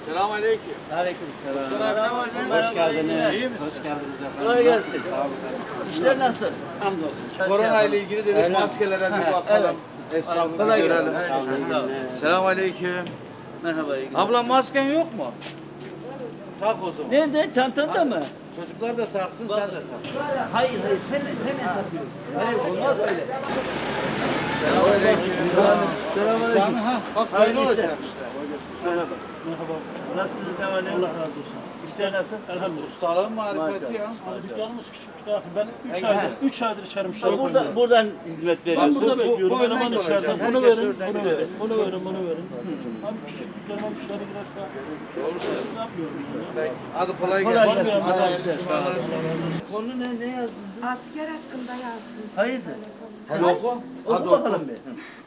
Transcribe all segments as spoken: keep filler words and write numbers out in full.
Selamünaleyküm. Aleykümselam. Mustafa abi ne var ne? Hoş geldiniz. İyi misin? Hoş geldiniz efendim. Kolay gelsin. Sağ olun. İşler nasıl? Hamdolsun. Korona ile ilgili dedik Öyle. maskelere bir Ha, bakalım. Esnafı Kolay bir gelsin. görelim. Evet, sağ ol. Selamünaleyküm. Merhaba. iyi günler. Abla masken yok mu? Tak o zaman. Nerede? Çantanda mı? Çocuklar da taksın sen de tak. Hayır hayır. Hemen, hemen takıyorum. Hayır olmaz öyle. Selamünaleyküm. Selamünaleyküm. Sami ha bak Hayırlı böyle işler. olacak işte. Merhaba. Merhaba. Nasılsınız? Ne var ne? Allah razı olsun. İşler nasıl? Elhamdülillah. Ustalığın marifeti ya. Dükkanımız küçük bir tarafı. Ben üç aydır, üç aydır içerim müşteri Burada, koyuyorum. buradan hizmet Ben veriyorsunuz. burada Bu- bu- bekliyorum. bu örnek Eleman olacak. içeriden. Bunu Herkes verin, oradan bunu gidiyor. verin, bunu verin, bunu verin. Abi küçük dükkanıma müşteri girerse ne yapıyoruz? Hadi kolay Kolay gelsin. gelsin. Hadi hayırlı cumalar. Konu ne? Ne yazdın? Asker hakkında yazdım. Hayırdır? Hadi oku. Hadi Oku oku. bakalım bir.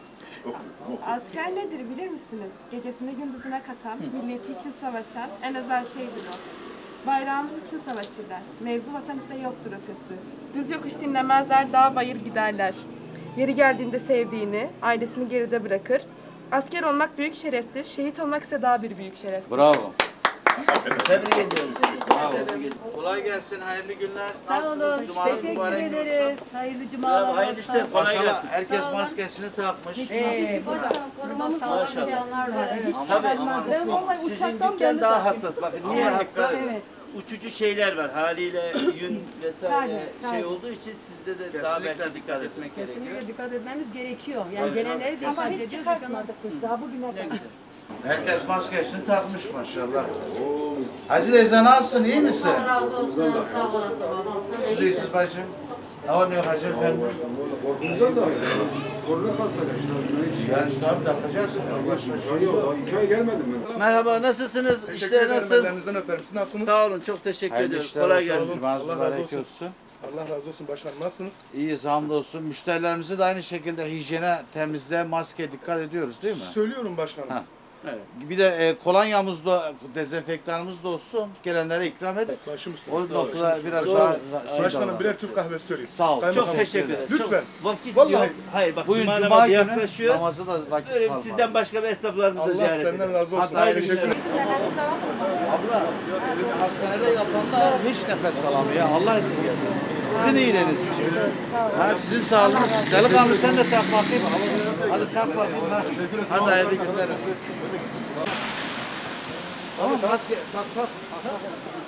Asker nedir bilir misiniz? Gecesini gündüzüne katan, milleti için savaşan en özel şeydir o. Bayrağımız için savaşırlar. Mevzu vatan ise yoktur ötesi. Düz yokuş dinlemezler, dağ bayır giderler. Yeri geldiğinde sevdiğini, ailesini geride bırakır. Asker olmak büyük şereftir, şehit olmak ise daha bir büyük şeref. Bravo. Tebrik ediyoruz. Bravo. Kolay gelsin. Hayırlı günler. Sağ Nasılsınız? olun. Cumanız Teşekkür mübarek ederiz. olsun. Hayırlı cumalar. Hayırlı işler. Kolay Maşallah gelsin. herkes Sağ olun. maskesini takmış. Ee, burada korumamız sağlayanlar var. Evet. Aman aman. Sizin dükkan daha hassas. Bakın niye Aman hassas? dikkat edin. Uçucu şeyler var. Haliyle yün vesaire şey olduğu için sizde de daha Kesinlikle belki dikkat etmek gerekiyor. Kesinlikle dikkat etmemiz gerekiyor. Yani gelenleri dikkat ediyoruz. Çıkartmadık. Ne güzel. Herkes maskesini takmış maşallah. Hacı Reza nasılsın? İyi misin? Razı olsun. Sağ olasın babam. Siz de iyisiniz bacım. Ne var ne yok Hacı efendi? Korkunuzdan da korona hastalığı işte. Hiç Yani işte abi takacaksın. Başka şey yok. yok. Daha iki ay gelmedim ben. Merhaba, nasılsınız? Teşekkür İşler ederim. nasıl? Ellerinizden öperim. Siz nasılsınız? Sağ olun, çok teşekkür Hayırlı ediyoruz. işler Kolay olsun. gelsin. Cumanız Allah mübarek razı olsun. olsun. Allah razı olsun başkanım. Nasılsınız? İyiyiz hamdolsun. Müşterilerimize de aynı şekilde hijyene, temizliğe, maskeye dikkat ediyoruz değil mi? Söylüyorum başkanım. Ha. Evet. Bir de e, kolonyamız da, dezenfektanımız da olsun. Gelenlere ikram edin. Başım üstüne. O noktada biraz Doğru. daha şey Başkanım davranın. birer Türk kahvesi söyleyeyim. Sağ ol. Kaymakam Çok teşekkür ederim. Lütfen. Çok vakit Vallahi. yok. Hayır bak, Bugün cuma Cuma namazı günü yaklaşıyor. namazı da vakit Böyle kalmadı. sizden başka bir esnaflarımızı Allah ziyaret senden edelim. razı olsun. Hadi hayırlı Teşekkür işler. ederim. Abla, hastanede yatanlar hiç nefes alamıyor ya. Allah esirgesin. Sizin iyiliğiniz için. Ha, sizin sağlığınız. Delikanlı sen de tak bakayım. Hadi tak bakayım. Ha. Hadi hayırlı günler. Tamam maske tak tak. tak.